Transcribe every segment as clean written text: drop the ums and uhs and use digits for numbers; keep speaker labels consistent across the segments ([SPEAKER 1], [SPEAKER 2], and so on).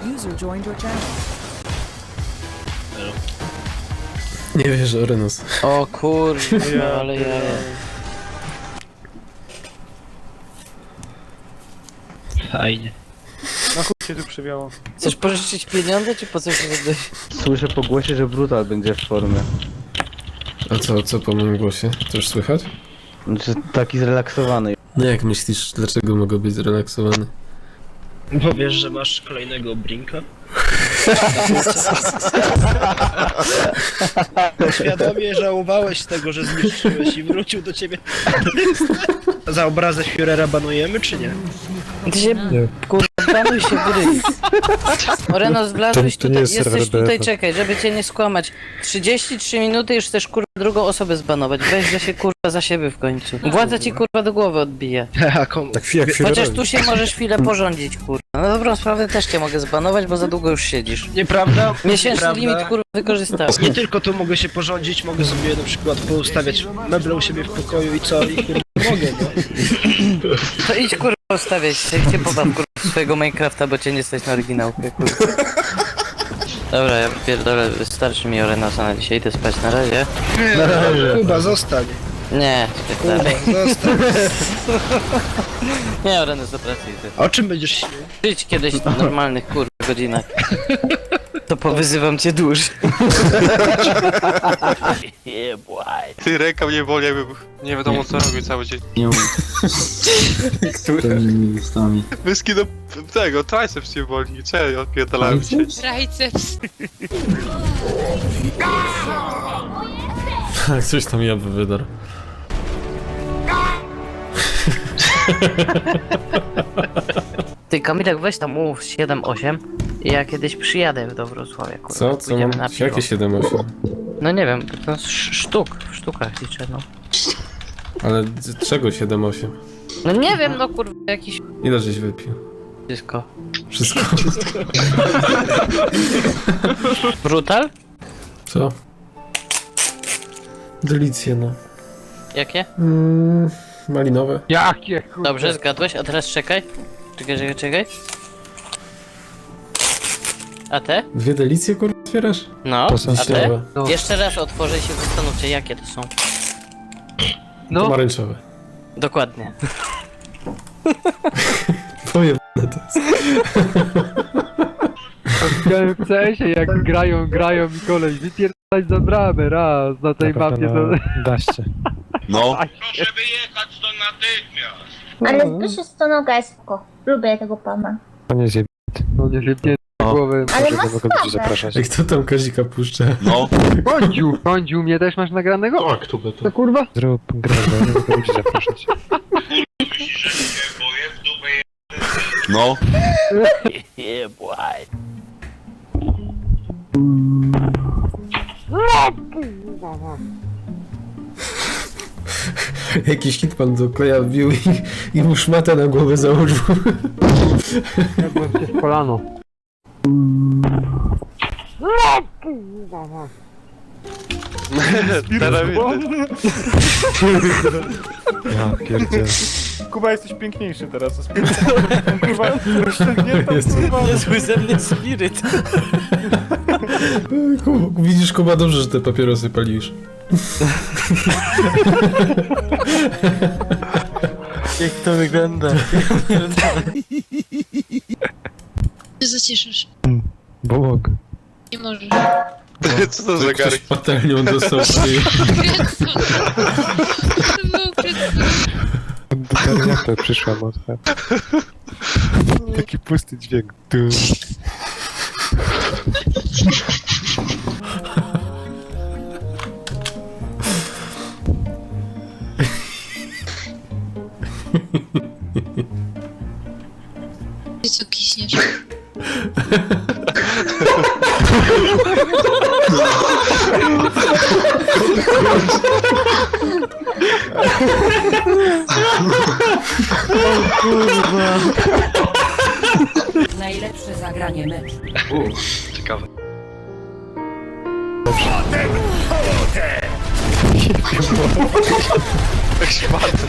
[SPEAKER 1] User joined your channel.
[SPEAKER 2] Nie wierzę, Orenos.
[SPEAKER 3] O kurwa, ale ja...
[SPEAKER 4] Fajnie.
[SPEAKER 5] Na chuj się tu przewiało.
[SPEAKER 3] Chcesz pożyczyć pieniądze, czy po co się wydać?
[SPEAKER 6] Słyszę po głosie, że Brutal będzie w formie.
[SPEAKER 2] A co po moim głosie? To już słychać?
[SPEAKER 6] Znaczy taki zrelaksowany.
[SPEAKER 2] No jak myślisz, dlaczego mogę być zrelaksowany?
[SPEAKER 4] Bo wiesz, że masz kolejnego Brinka? Świadomie żałowałeś tego, że zniszczyłeś i wrócił do ciebie. Za obrazę Führera banujemy, czy nie?
[SPEAKER 3] Ty się, kurwa, banuj się w ryj. Orenos, wlazłeś tutaj, jesteś tutaj, czekaj, żeby cię nie skłamać. 33 minuty już chcesz, kurwa, drugą osobę zbanować. Weź, że się, kurwa, za siebie w końcu. Władza ci, kurwa, do głowy odbije.
[SPEAKER 4] A komu?
[SPEAKER 2] Tak jak
[SPEAKER 3] Chociaż tu się możesz chwilę porządzić, kurwa. Na dobrą sprawę też cię mogę zbanować, bo za długo już siedzisz.
[SPEAKER 4] Nieprawda?
[SPEAKER 3] Miesięczny
[SPEAKER 4] Nieprawda.
[SPEAKER 3] limit, kurwa, wykorzystałeś.
[SPEAKER 4] Nie tylko tu mogę się porządzić, mogę sobie na przykład poustawiać meble u siebie w pokoju i co? I kurwa mogę, no.
[SPEAKER 3] To idź, kurwa, ustawiać się, cię pobaw, kurwa, swojego Minecrafta, bo cię nie stać na oryginałkę, kurwa. Dobra, ja pierdolę, wystarczy mi Orenosa na dzisiaj, idę spać, na razie.
[SPEAKER 4] Nie, Kuba, zostań.
[SPEAKER 3] Nie,
[SPEAKER 4] Kuba,
[SPEAKER 3] spierdalaj.
[SPEAKER 4] zostań.
[SPEAKER 3] Nie, Orenos, do pracy idę.
[SPEAKER 4] A o czym będziesz śnił?
[SPEAKER 3] Żyć kiedyś w normalnych, kurwa, godzinach. To powyzywam cię dłużej.
[SPEAKER 7] Ty, ręka mnie boli, jakby nie wiadomo co robił cały dzień.
[SPEAKER 6] Nie umiem.
[SPEAKER 7] Wyski do tego, triceps mnie boli. Czemu ja odpierdalałem się?
[SPEAKER 8] Triceps.
[SPEAKER 2] Tak, coś tam ja wydarł.
[SPEAKER 3] Ty, Kamilek, weź tam mów 7-8 i ja kiedyś przyjadę do Wrocławia, kurwa.
[SPEAKER 2] Co? Co
[SPEAKER 3] pójdziemy
[SPEAKER 2] mam?
[SPEAKER 3] na piwo.
[SPEAKER 2] Jakie 7-8?
[SPEAKER 3] No nie wiem, to sztuk, w sztukach liczę, no.
[SPEAKER 2] Ale czego 7-8?
[SPEAKER 3] No nie wiem, no kurwa, jakiś
[SPEAKER 2] Ile żeś wypił?
[SPEAKER 3] wszystko.
[SPEAKER 2] Wszystko?
[SPEAKER 3] Brutal?
[SPEAKER 2] Co? Delicje, no.
[SPEAKER 3] Jakie?
[SPEAKER 2] Malinowe.
[SPEAKER 5] Jakie kurwa.
[SPEAKER 3] Dobrze, zgadłeś, a teraz czekaj. Czekaj. A te?
[SPEAKER 2] Dwie delicje, kurwa, otwierasz?
[SPEAKER 3] No, a te?
[SPEAKER 2] Wiśniowe.
[SPEAKER 5] No.
[SPEAKER 3] Jeszcze raz otworzę i się zastanówcie, jakie to są.
[SPEAKER 5] No,
[SPEAKER 2] Pomarańczowe.
[SPEAKER 3] Dokładnie.
[SPEAKER 2] Pojebane to jest.
[SPEAKER 5] widziałem w CS-ie jak grają i koleś wypierdalać za bramę raz na tej mapie to...
[SPEAKER 7] No.
[SPEAKER 9] Proszę wyjechać to natychmiast.
[SPEAKER 10] Ale Zbyszek Stonoga jest spoko. Lubię tego pana.
[SPEAKER 5] No nie zjebnie głowę.
[SPEAKER 10] Ale ma sprawę.
[SPEAKER 2] Jak kto tam Kazika puszcza?
[SPEAKER 7] No.
[SPEAKER 5] Kądziu, mnie też masz nagranego?
[SPEAKER 2] Tak, tu
[SPEAKER 5] To kurwa?
[SPEAKER 7] No.
[SPEAKER 2] Jakiś hitman do kleja wbił i mu szmatę na głowę założył.
[SPEAKER 5] Jadłem cię w kolano.
[SPEAKER 7] Teraz
[SPEAKER 5] Kuba, jesteś piękniejszy teraz. Kurwa, rozciągnięta,
[SPEAKER 2] Jest.
[SPEAKER 5] kurwa.
[SPEAKER 3] Niezły ze mnie spiryt.
[SPEAKER 2] Widzisz, Kuba, dobrze, że te papierosy palisz.
[SPEAKER 3] Jak to wygląda?
[SPEAKER 8] Ty zacieszysz.
[SPEAKER 6] Bo mogę.
[SPEAKER 8] Nie możesz.
[SPEAKER 7] Co to za
[SPEAKER 2] Ktoś
[SPEAKER 7] gary?
[SPEAKER 2] patelnią dostał w ryj.
[SPEAKER 8] Kretko. To było kretko.
[SPEAKER 6] Jak to przyszła motka? Taki pusty dźwięk.
[SPEAKER 8] Ty co kiśniesz?
[SPEAKER 1] Najlepsze zagranie meczu.
[SPEAKER 7] Ciekawe. Jak szmaty.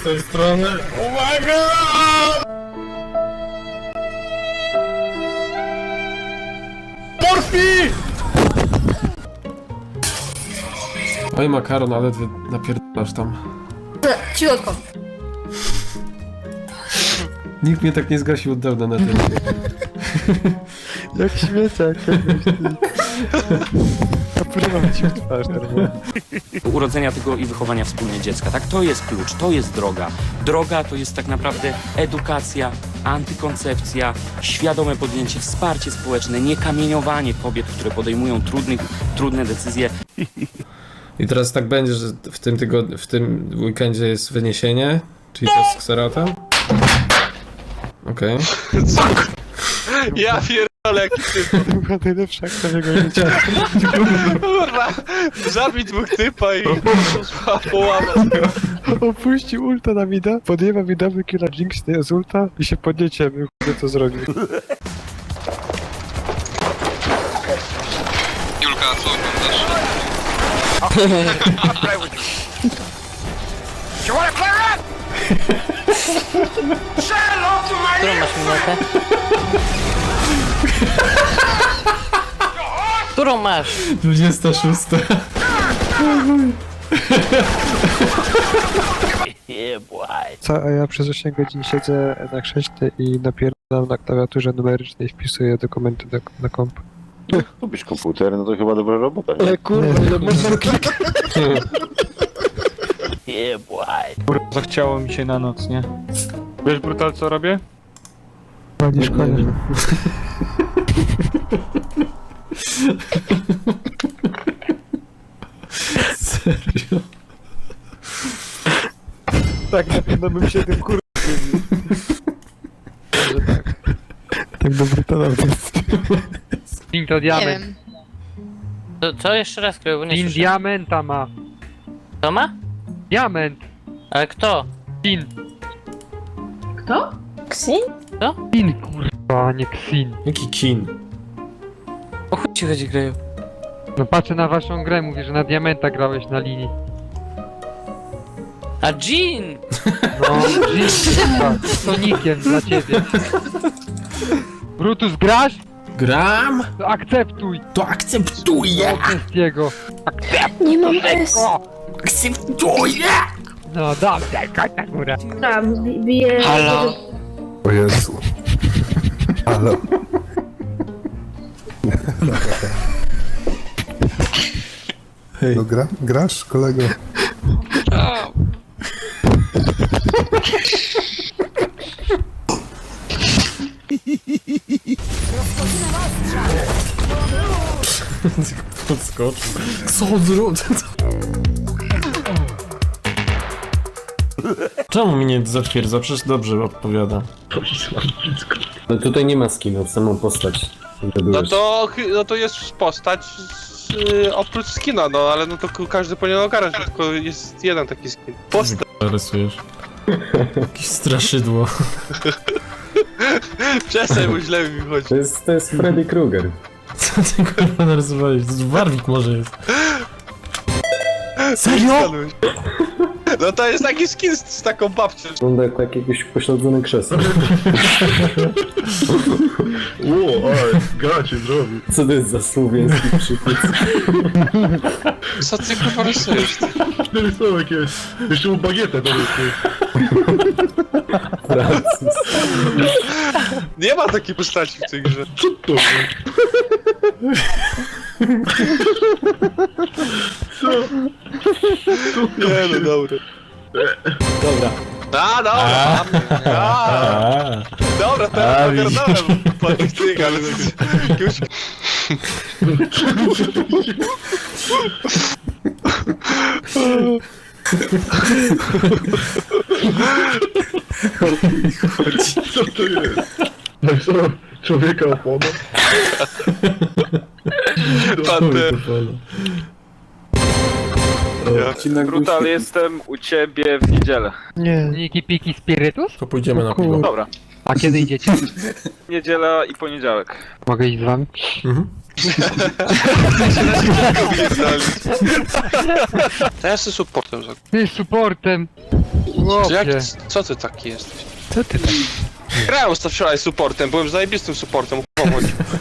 [SPEAKER 2] tej strony. Uwaga! Porfi! Oj, makaron, ale ty napierdalasz tam.
[SPEAKER 10] Cichotko.
[SPEAKER 2] Nikt mnie tak nie zgasił od dawna na tym.
[SPEAKER 6] Jak śmieciak. Kaprywa ci w twarz normalnie.
[SPEAKER 11] Urodzenia tego i wychowania wspólnie dziecka, tak? To jest klucz, to jest droga. Droga to jest tak naprawdę edukacja, antykoncepcja, świadome podjęcie, wsparcie społeczne, nie kamieniowanie kobiet, które podejmują trudne decyzje.
[SPEAKER 2] I teraz tak będzie, że w tym weekendzie jest wyniesienie, czyli to z Xeratem. Okej.
[SPEAKER 7] Ja pierdolę, jaki typ.
[SPEAKER 6] To była najlepsza akcja jego życia.
[SPEAKER 7] Kurwa, zabij dwóch typa i połamać.
[SPEAKER 6] Opuścił ulta na mida, podjęła widowy killa Jinx z ulta i się podnieciemy, co zrobił.
[SPEAKER 7] Julka, co oglądasz?
[SPEAKER 3] Którą masz minutę? Którą masz?
[SPEAKER 2] 26.
[SPEAKER 6] A ja przez 8 godzin siedzę na krześle i napierdalam na klawiaturze numerycznej, wpisuję dokumenty na komp.
[SPEAKER 9] Lubisz komputer, no to chyba dobra robota, nie?
[SPEAKER 6] Ale kurwa, ile można klikać?
[SPEAKER 5] Zachciało mi się na noc, nie? Wiesz, Brutal, co robię?
[SPEAKER 6] Palisz konia.
[SPEAKER 2] Serio?
[SPEAKER 6] Tak, na pewno bym się tym kurwa. Tak do Brutala jest.
[SPEAKER 5] Pin to
[SPEAKER 8] Nie
[SPEAKER 5] diament.
[SPEAKER 8] wiem.
[SPEAKER 3] Co jeszcze raz, Kryju, bo nie
[SPEAKER 5] Pin
[SPEAKER 3] słyszę.
[SPEAKER 5] diamenta ma.
[SPEAKER 3] Kto ma?
[SPEAKER 5] Diament.
[SPEAKER 3] Ale kto?
[SPEAKER 5] Pin.
[SPEAKER 10] Ksyn?
[SPEAKER 5] Pin, kurwa, a nie Xin.
[SPEAKER 2] Jaki kin?
[SPEAKER 3] O chuj ci chodzi, Kryju.
[SPEAKER 5] No patrzę na waszą grę, mówię, że na diamenta grałeś na linii.
[SPEAKER 3] A Jean!
[SPEAKER 5] No, kurwa, z Sonikiem dla ciebie. Brutus, grasz?
[SPEAKER 2] Gram?
[SPEAKER 5] To akceptuj!
[SPEAKER 2] To akceptuję!
[SPEAKER 5] Wszystkiego.
[SPEAKER 10] Nie mam S.
[SPEAKER 2] Akceptuję!
[SPEAKER 5] No dobrze, chodź na górę.
[SPEAKER 10] Tam, bije...
[SPEAKER 3] Halo?
[SPEAKER 6] O Jezu. Halo.
[SPEAKER 2] Hej.
[SPEAKER 6] No grasz, kolego?
[SPEAKER 2] Podskoczył. Co on zrobił? Czemu mi nie zatwierdza? Przecież dobrze odpowiada. No tutaj nie ma skinów, samą postać.
[SPEAKER 7] No to jest postać oprócz skina, no ale no to każdy powinien ogarnąć, że tylko jest jeden taki skin. Postać.
[SPEAKER 2] Rysujesz. Jakieś straszydło.
[SPEAKER 7] Przestań, bo źle mi wychodzi.
[SPEAKER 2] To jest Freddy Krueger. Co ty kurwa narysowałeś? To Warwick może jest. Serio?
[SPEAKER 7] No to jest taki skin z taką babcią.
[SPEAKER 2] Wygląda jak jakiegoś pośledzone krzesło.
[SPEAKER 9] ale gacie zrobił.
[SPEAKER 2] Co to jest za słowiański przypis?
[SPEAKER 7] Co ty kurwa rysujesz?
[SPEAKER 9] Rysowek jest. Jeszcze mu bagietę do
[SPEAKER 7] Nie ma takiej postaci w tej grze.
[SPEAKER 9] Co to? Co?
[SPEAKER 7] Nie no, dobra.
[SPEAKER 2] Dobra.
[SPEAKER 7] A, dobra. Dobra, teraz ogarnąłem po tych tych, ale jakiegoś...
[SPEAKER 9] Co to jest? No co? Człowieka opona?
[SPEAKER 7] Brutal,
[SPEAKER 5] jestem u ciebie w niedzielę.
[SPEAKER 6] Nie.
[SPEAKER 5] Niki piki spirytus?
[SPEAKER 2] To pójdziemy na piwo.
[SPEAKER 7] Dobra.
[SPEAKER 5] A kiedy idziecie?
[SPEAKER 7] Niedziela i poniedziałek.
[SPEAKER 5] Mogę iść z wami?
[SPEAKER 2] Mhm.
[SPEAKER 7] To ja jestem supportem.
[SPEAKER 5] Ty z supportem!
[SPEAKER 7] Jak,
[SPEAKER 5] Chłopie.
[SPEAKER 7] co ty taki jesteś?
[SPEAKER 6] Co ty tam?
[SPEAKER 7] Grałem wczoraj supportem, byłem zajebistym supportem, pomóż.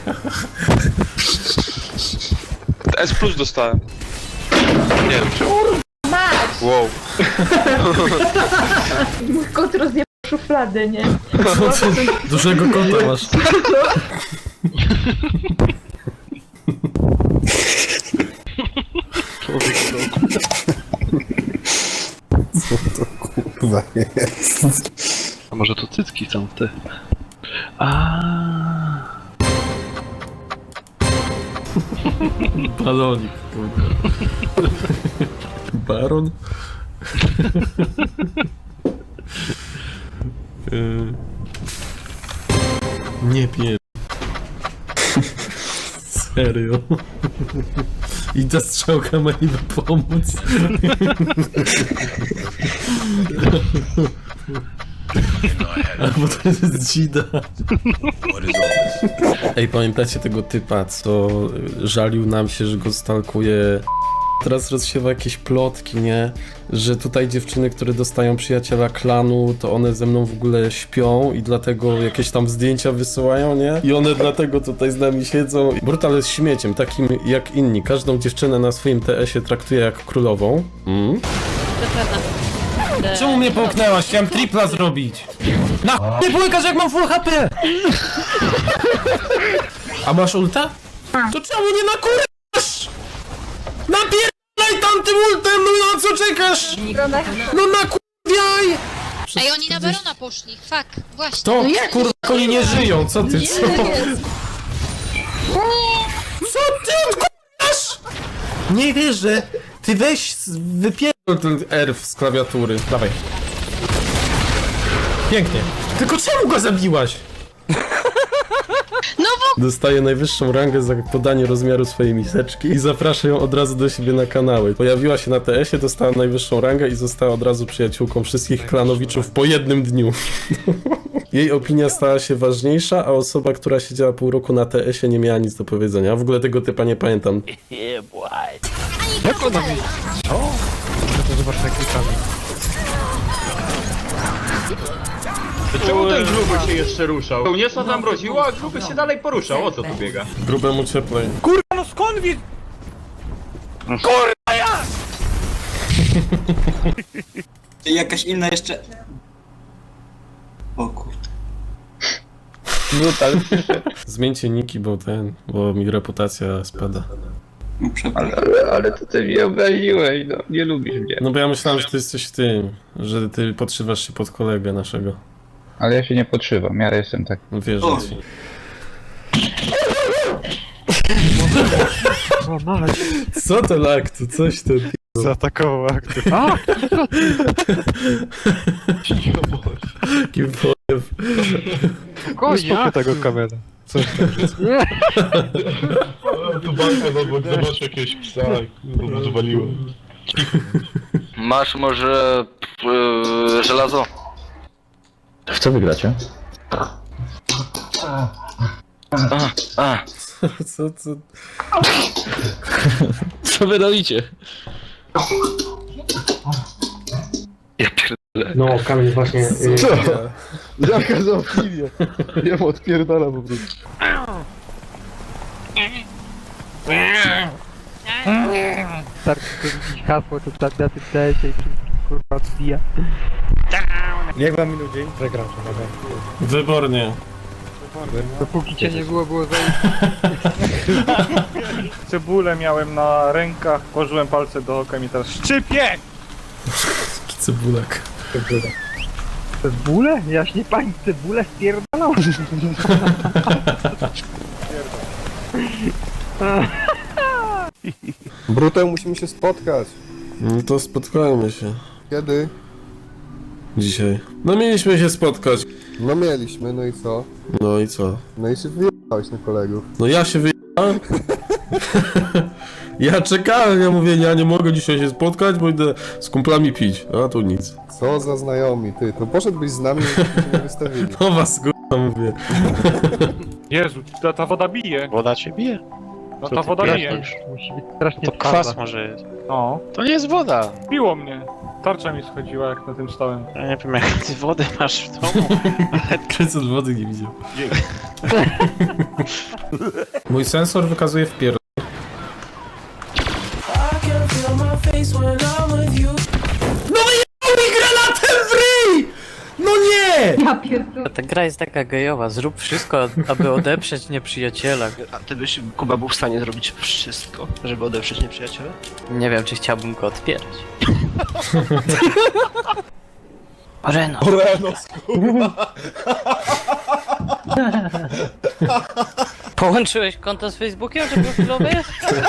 [SPEAKER 7] S plus dostałem. Nie wiem.
[SPEAKER 10] Masz!
[SPEAKER 7] Wow.
[SPEAKER 10] Mój kot rozjebał szufladę, nie?
[SPEAKER 2] Dużego kota masz.
[SPEAKER 9] Kurwa jest.
[SPEAKER 5] A może to cycki są te?
[SPEAKER 2] Balonik, kurde. Baron? Nie pier... Serio? I ta strzałka ma niby pomóc. Albo to jest dzida. Ej, pamiętacie tego typa, co żalił nam się, że go stalkuje? Teraz rozsiewa jakieś plotki, nie? Że tutaj dziewczyny, które dostają przyjaciela klanu, to one ze mną w ogóle śpią i dlatego jakieś tam zdjęcia wysyłają, nie? I one dlatego tutaj z nami siedzą. Brutal jest śmieciem, takim jak inni. Każdą dziewczynę na swoim TS-ie traktuje jak królową.
[SPEAKER 3] To prawda.
[SPEAKER 2] Czemu mnie połknęłaś? Chciałem tripla zrobić. Na nie połykasz jak mam full HP! A masz ulta? To czemu nie nakurzasz? Napierdalaj tamtym ultem, no na co czekasz? No nakurwiaj!
[SPEAKER 8] Ej, oni na Barona poszli, fuck, właśnie.
[SPEAKER 2] To kurwa, oni nie żyją, co ty, co? Co ty odkurzasz? Nie wierzę. Ty weź, wypierdol ten R z klawiatury. Dawaj. Pięknie. Tylko czemu go zabiłaś?
[SPEAKER 8] No bo...
[SPEAKER 2] Dostaje najwyższą rangę za podanie rozmiaru swojej miseczki i zaprasza ją od razu do siebie na kanały. Pojawiła się na TS-ie, dostała najwyższą rangę i została od razu przyjaciółką wszystkich klanowiczów po jednym dniu. Jej opinia stała się ważniejsza, a osoba, która siedziała pół roku na TS-ie nie miała nic do powiedzenia. W ogóle tego typa nie pamiętam.
[SPEAKER 6] Jak ona mi... O! To zobacz na klikami.
[SPEAKER 9] Czemu ten gruby się jeszcze ruszał? Pełniesa tam mroziła, a gruby się dalej poruszał. O co tu biega?
[SPEAKER 2] Grubemu cieplej.
[SPEAKER 12] Jakaś inna jeszcze... O kurde.
[SPEAKER 2] Brutal. Zmieńcie niki, bo mi reputacja spada.
[SPEAKER 12] No, przepraszam.
[SPEAKER 6] Ale to ty mnie obraziłeś, no. Nie lubisz mnie.
[SPEAKER 2] No bo ja myślałem, że ty jesteś tym, że ty podszywasz się pod kolegę naszego.
[SPEAKER 6] Ale ja się nie podszywam, ja jestem tak...
[SPEAKER 2] No wierzę ci.
[SPEAKER 6] O, mać.
[SPEAKER 2] Co to laktu? Coś to...
[SPEAKER 6] Zaatakował akty.
[SPEAKER 5] A!
[SPEAKER 2] Kim powiem.
[SPEAKER 5] Spokojnie,
[SPEAKER 6] tego kamera. Coś tam jest.
[SPEAKER 9] Tu banka zobacz jakiegoś psa, kurwa, zwaliło.
[SPEAKER 7] Masz może żelazo?
[SPEAKER 6] W co wygracie?
[SPEAKER 2] Co?
[SPEAKER 5] Co wy robicie?
[SPEAKER 6] No, kamień właśnie... Co? Jaka za opinia? Ja mu odpierdala po prostu.
[SPEAKER 5] Starczy to jakieś hasło, to tam na tym CS-ie i kurwa odbija.
[SPEAKER 6] Jak wam minął dzień? Zagram to, dobra.
[SPEAKER 2] Wybornie.
[SPEAKER 5] Dopóki cię nie było, było za...
[SPEAKER 9] Cebulę miałem na rękach, położyłem palce do oka i mi teraz szczypie!
[SPEAKER 2] Cebulak.
[SPEAKER 5] Cebulę? Jaśnie pani cebulę spierdalał?
[SPEAKER 9] Brutem musimy się spotkać.
[SPEAKER 2] No to spotkajmy się.
[SPEAKER 9] Kiedy?
[SPEAKER 2] Dzisiaj. No mieliśmy się spotkać.
[SPEAKER 9] No mieliśmy, no i co?
[SPEAKER 2] No i co?
[SPEAKER 9] No i się wyjechałeś na kolegów.
[SPEAKER 2] No ja się wyjechałem. Ja czekałem, ja mówię, ja nie mogę dzisiaj się spotkać, bo idę z kumplami pić. A tu nic.
[SPEAKER 9] Co za znajomi, ty, to poszedłbyś z nami, żebyśmy się nie wystawili.
[SPEAKER 2] No was To mówię.
[SPEAKER 5] Jezu, ta woda bije.
[SPEAKER 4] Woda cię bije?
[SPEAKER 5] No ta woda bije.
[SPEAKER 6] Musi być strasznie
[SPEAKER 4] To kwas może jest.
[SPEAKER 5] No,
[SPEAKER 4] To nie jest woda.
[SPEAKER 5] biło mnie. Tarcza mi schodziła jak na tym stałem.
[SPEAKER 4] Ja nie wiem jak ty wodę masz w domu.
[SPEAKER 2] Kryc od wody nie widział. Mój sensor wykazuje wpier... No wyjechał mi granatem w ryj! No nie!
[SPEAKER 3] Ta gra jest taka gejowa, zrób wszystko, aby odeprzeć nieprzyjaciela.
[SPEAKER 4] A ty byś, Kuba, był w stanie zrobić wszystko, żeby odeprzeć nieprzyjaciela?
[SPEAKER 3] Nie wiem, czy chciałbym go otwierać. Oreno! Połączyłeś konto z Facebookiem, że profilowe jest?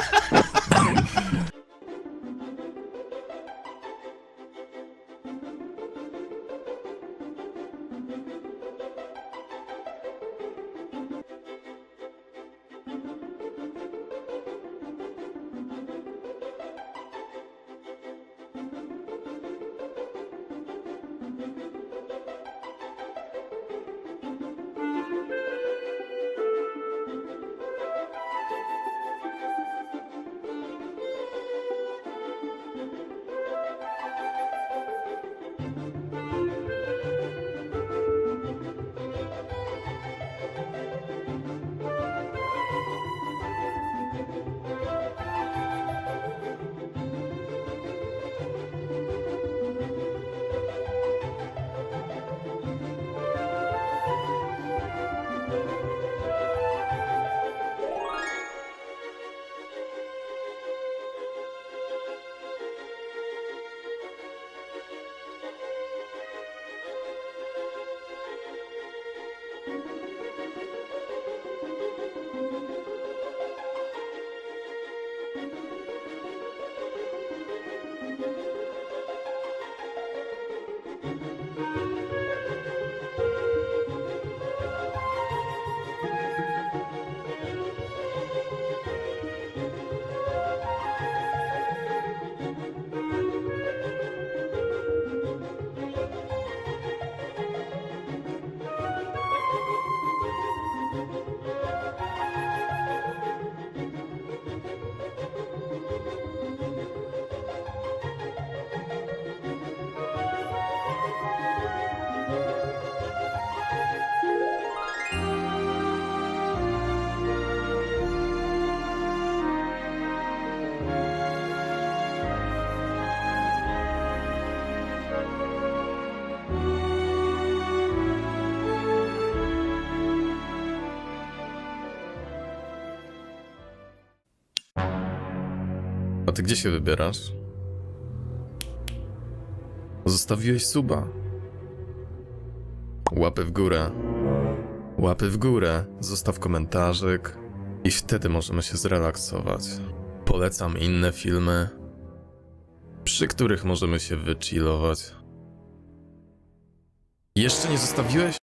[SPEAKER 2] A ty gdzie się wybierasz? Zostawiłeś suba. Łapy w górę. Łapy w górę, zostaw komentarzyk i wtedy możemy się zrelaksować. Polecam inne filmy, przy których możemy się wychillować. Jeszcze nie zostawiłeś?